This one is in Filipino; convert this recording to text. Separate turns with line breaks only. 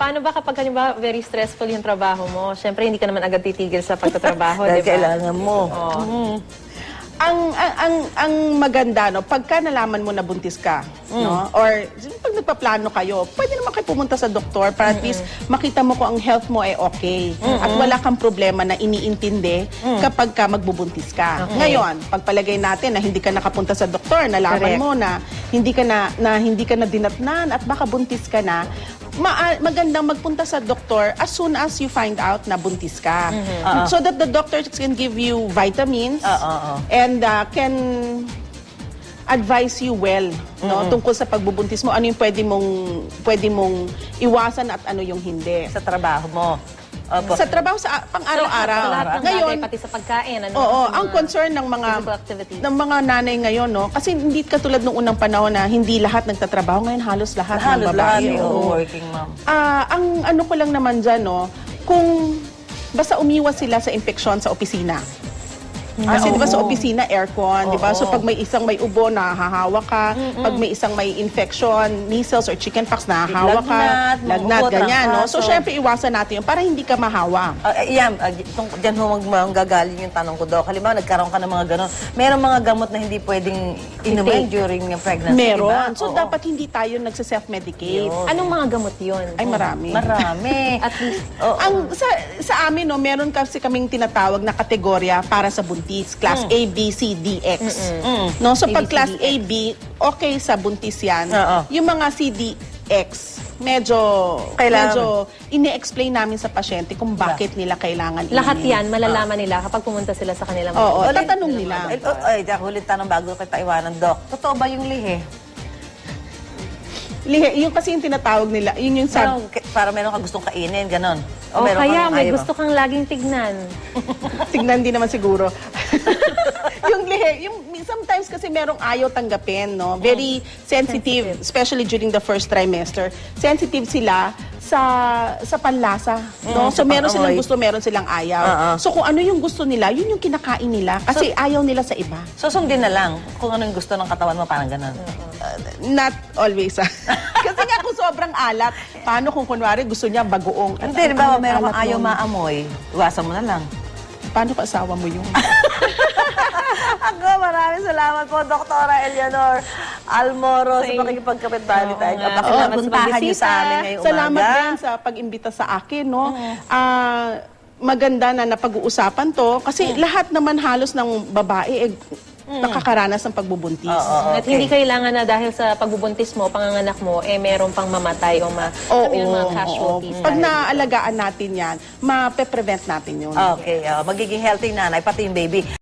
paano ba kapag halimbawa very stressful yung trabaho mo? Siyempre, hindi ka naman agad titigil sa pagtatrabaho,
Dahil
di ba?
kailangan mo.
Ang maganda, no, pagka nalaman mo na buntis ka, no, or pag nagpaplano kayo, pwede naman kayo pumunta sa doktor para at least makita mo kung ang health mo ay okay. At wala kang problema na iniintindi kapag ka magbubuntis ka. Ngayon, pagpalagay natin na hindi ka nakapunta sa doktor, nalaman mo na hindi ka na dinatnan at baka buntis ka na, magandang magpunta sa doktor as soon as you find out na buntis ka. So that the doctors can give you vitamins and can advise you well, no, tungkol sa pagbubuntis mo, ano yung pwede mong iwasan at ano yung hindi.
Sa trabaho mo. Opo.
Sa trabaho, sa pang-araw-araw.
Sa lahat ng
Ngayon,
bagay, pati sa pagkain. Ano,
oo,
sa
ang
mga
concern ng
physical activities.
mga nanay ngayon, no, kasi hindi katulad nung unang panahon na hindi lahat nagtatrabaho, ngayon halos lahat ng babae.
Working mom.
Ang ano ko lang naman dyan, no, kung basta umiwas sila sa infeksyon sa opisina. Kasi di ba sa opisina, aircon, di ba? So pag may isang may ubo, nahahawa ka. Pag may isang may infection, measles or chickenpox, nahahawa ka. Lagnat, ganyan, no? So syempre iwasan natin yun para hindi ka mahawa.
Diyan ho manggagaling yung tanong ko, Doc. Halimbawa, nagkaroon ka ng mga gano'n. Merong mga gamot na hindi pwedeng inumin during pregnancy,
Meron.
diba?
So dapat hindi tayo nagsa-self-medicate.
Anong mga gamot yun?
Ay, marami.
Marami.
At least,
Sa amin, no, meron kasi kaming tinatawag na kategorya para sa buntis. Class A, B, C, D, X. No? So pag class A, B, okay sa buntis yan. Yung mga C, D, X, medyo ini-explain namin sa pasyente kung bakit nila kailangan inumin.
lahat yan, malalaman nila kapag pumunta sila sa kanilang
Oo, tatanong nila.
Ay, huling tanong bago kita iwanan, Doc. Totoo ba yung lihe?
Lihe, yung kasi yung tinatawag nila, yun yung
Para meron ka gustong kainin, ganon.
O
meron
kaya
kang
may
ayaw.
gusto kang laging tignan.
tignan din naman siguro. Yung lihe, sometimes kasi merong ayaw tanggapin, no? Very sensitive, especially during the first trimester. Sensitive sila sa panlasa, no? So meron silang gusto, meron silang ayaw. So kung ano yung gusto nila, yun yung kinakain nila kasi ayaw nila sa iba.
So sundin na lang kung ano yung gusto ng katawan mo, parang ganon.
Not always. Kasi nga kung sobrang alat, paano kung kunwari gusto niya bagoong?
Hindi, di ba, meron kang ayaw maamoy, iwasan mo na lang.
Paano kung asawa mo yun?
Ako, maraming salamat po, Dr. Eleanor Almoro, sa pakikipagkapit-bali tayo. Puntahan niyo sa amin ngayong umaga.
Salamat din sa pag-imbita sa akin, no? Maganda na napag-uusapan to kasi lahat naman halos ng babae nakakaranas ng pagbubuntis.
At hindi kailangan na dahil sa pagbubuntis mo, panganganak mo, meron pang mamatay o mga casualties.
Pag naaalagaan natin yan, ma-prevent natin yun.
Okay, magiging healthy nanay, pati yung baby.